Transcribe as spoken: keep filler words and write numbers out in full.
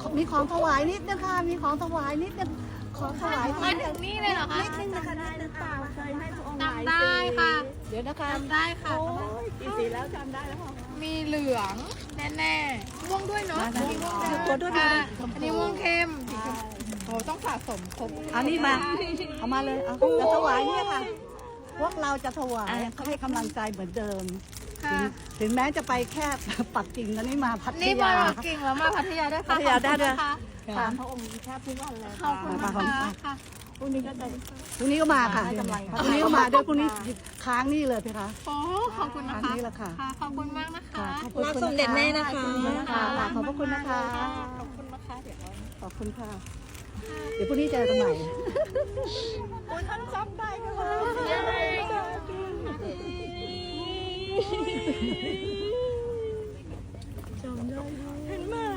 มีของถวายนิดนึงค่ะมีของถวายนิดนึงขอถวายมาถึงนี่เลยเหรอคะนิดนึงนะคะได้หรือเปล่าเคยให้พระองค์หลายจำได้ค่ะเดี๋ยวนะคะจำได้ค่ะโอ้ยกี่สีแล้วจำได้แล้วค่ะมีเหลืองแน่ๆม่วงด้วยเนาะมาๆม่วงตัวด้วยค่ะชมพูอันนี้ม่วงเข้มสีชมพูโอ้ต้องสะสมครบเอานี่มาเอามาเลยเอาจะถวายเนี่ยค่ะพวกเราจะถวายให้กำลังใจเหมือนเดิมค่ะถึงถึงแม้จะไปแค่ปักกิ่งตอนนี้มาพัทนี่มายาปักกิ่งแล้วมาพัทยาด้วยค่ะพัทยาได้ด้วยขอบคุณนะคะตามพระองค์แทบทุกวันเลยขอบคุณมานะขอบคะคุณค่ะพรุ่งนี้ก็จะพรุ่งนี้ก็มาค่ะพรุ่งนี้ก็มาด้วยพรุ่งนี้ค้างนี่เลยพี่คะโอ้ขอบคุณนะอันคะนี้แหละค่ะค่ะ ขอบคุณมากนะคะขอบคุณสมเด็จแม่นะคะขอบพระคุณนะคะขอบคุณนะคะเดี๋ยวเราขอบคุณค่ะ เดี๋ยวพรุ่งนี้เจอกันใหม่โอ้ยท่านจำได้กันเลยจำได้เห็นไหม